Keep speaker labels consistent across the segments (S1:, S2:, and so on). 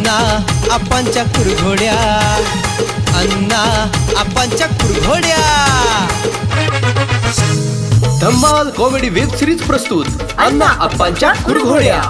S1: अण्णा आपांच्या कुरघोड्या, अण्णा आपांच्या कुरघोड्या.
S2: धम्माल कॉमेडी वेब सिरीज प्रस्तुत अण्णा आपांच्या कुरघोड्या.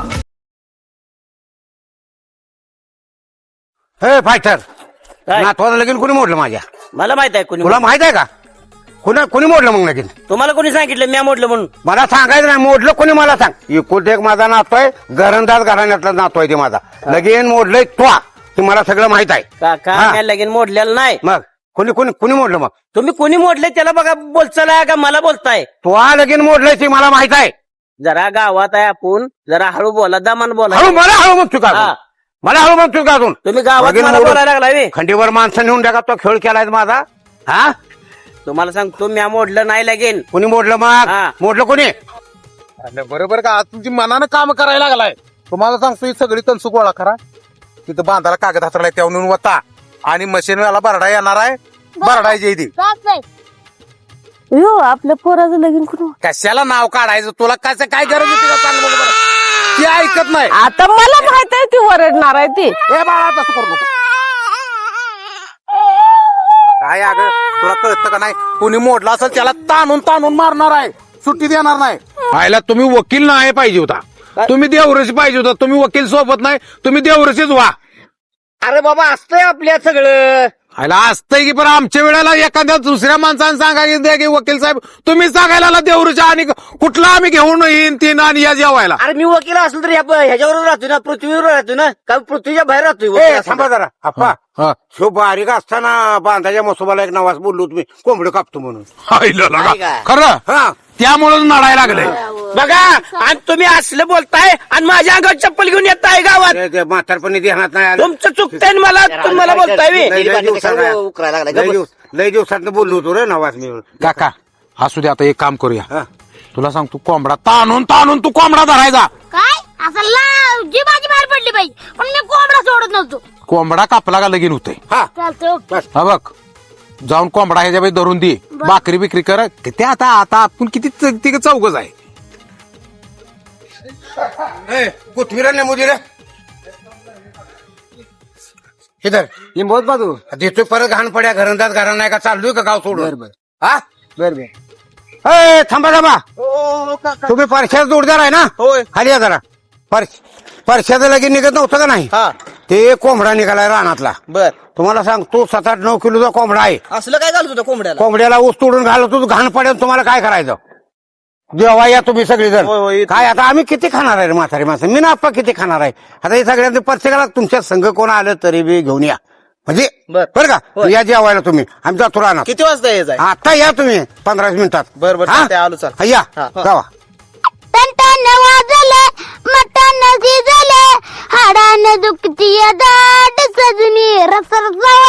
S3: हे फायटर नातवाला लगीन कोणी मोडलं माझ्या?
S4: मला माहित आहे कोणी
S3: तुला माहित आहे का? कोणी मोडलं मग लगीन?
S4: तुम्हाला कोणी सांगितलं मी मोडलं म्हणून?
S3: मला सांगायचं नाही, मोडलं कोणी मला सांग. एकुलता एक माझा नातो आहे, घरंदाज घराण्यातला नातो आहे ते माझा. लगीन मोडलंय तो ते मला सगळं माहित आहे.
S4: काका
S3: हा.
S4: मी लगीन मोडलेलं नाही.
S3: मग कोणी मोडलं? मग
S4: तुम्ही कोणी मोडले त्याला बघा, बोलचाल का मला बोलताय?
S3: तो लगीन मोडलंय ते मला माहित आहे.
S4: जरा गावात आहे आपण, जरा हळू बोला, दमान बोला.
S3: हळू म्हणतो का
S4: हा.
S3: अजून? मला हळू म्हणतो का अजून?
S4: तुम्ही गावात
S3: लगीन
S4: मला
S3: मोडून
S4: बोलायला लागलाय बे.
S3: खंडीवर माणसं नेऊन टाका, तो खेळ केलाय माझा. हा
S4: तुम्हाला सांगतो मी मोडलं नाही लगीन.
S3: कोणी मोडलं? मग
S4: हा.
S3: मोडलं कोणी?
S5: अरे बरोबर का? आज तुमची मनानं काम करायला लागलाय. तुम्हाला सांगतो ही सगळी तनसू गोळा करा, तिथं बांधाला कागद हातराय त्यावरून वता आणि मशीनवाला बरडा येणार आहे, बरडा येईल.
S6: यो आपल्या पोराचं लगीन कुठं?
S5: कशाला नाव काढायचं? तुला कसं काय गरज होती का? चांगलं बघ बरं. ती ऐकत नाही.
S6: आता मला माहित आहे ती ओरडणार आहे ती.
S5: ए बाळा तसं करू नको. काय अगं तुला कळतं का नाही? कोणी मोडला असेल त्याला ताणून मारणार आहे, सुट्टी देणार नाही.
S3: आयला तुम्ही वकील नाही पाहिजे होता, तुम्ही देवरशी पाहिजे होता. तुम्ही वकील सोबत नाही, तुम्ही देवरशीच व्हा.
S4: अरे बाबा असतंय आपल्या सगळं.
S3: आयला असतंय की, पण आमच्या वेळेला एखाद्या दुसऱ्या माणसाने सांगायचं की वकील साहेब तुम्ही सांगायला देवरच्या आणि कुठला आम्ही घेऊन येईन तीन आणि या जेवायला.
S4: अरे मी वकील असलो तर ह्याच्यावर राहतो ना, पृथ्वीवर राहतो ना, का पृथ्वीच्या बाहेर राहतोय?
S3: थांबा जरा अप्पा. शो बारीक असताना बांधाच्या मसोबाला एक नवाज बोललो तुम्ही कोंबडं कापतो म्हणून. खरं? हा, त्यामुळेच नडायला लागले.
S4: बघा आणि तुम्ही असलं बोलताय आणि माझ्या अंगावर चप्पल घेऊन येताय गावात.
S3: म्हातारपणी ध्यानात नाही आलं.
S4: तुमचं चुकतंय तुम्हाला बोलताय बे.
S3: लय दिवसात बोललो होतो रे नवाज मी. काका असू दे, आता एक काम करूया. तुला सांग, तू कोंबडा ताणून तू कोंबडा धरायचा.
S7: काय असं जी माझी बाहेर पडली पाहिजे, पण मी कोंबडा सोडत नव्हतो.
S3: कोंबडा कापला का लगीन होतंय.
S7: चालतंय.
S3: हा बघ, जाऊन कोंबडा ह्याच्या बाई धरून दे, भाकरी बिकरी कर. ते आता आपण किती चौकच आहे. कोथमीर ने मुदीर इधर
S4: बहुत बाजू
S3: देतोय परत घाण पड्या घरंदाज घरा नाही का चाललोय का गाव सोडून? हा
S4: बरोबर.
S3: थांबा तुम्ही परश्याचा जोडदार आहे ना?
S5: होय.
S3: खाली या जरा. परश्याचं लगीन निघत नव्हतं का नाही?
S5: हा
S3: ते कोंबडा निघालाय रानातला.
S5: बर.
S3: तुम्हाला सांगतो 7-8-9 किलोचा कोंबडा आहे.
S4: असलं काय घालत होतं कोंबड्याला?
S3: कोंबड्याला ऊस तोडून घालतो, घाण पडेल. तुम्हाला काय करायचं? जेव्हा या तुम्ही सगळेजण.
S5: होय.
S3: काय आता आम्ही किती खाणार आहे रे म्हातारी माणसं? मी ना आप्पा किती खाणार आहे? आता हे सगळ्यांचं प्रत्येकाला तुमच्या संघ कोण आलं तरी बी घेऊन या, म्हणजे बरं का? या जेवायला तुम्ही, आम्ही जातो राहणार.
S5: किती वाजता यायचं?
S3: आता या तुम्ही 15 मिनिटात.
S5: बरं
S3: हा?
S5: आलो चाल.
S3: हा, या जावा.
S7: टन वाजले, मटण शिजले, हाडान दुखतीय दाट सजनी, रस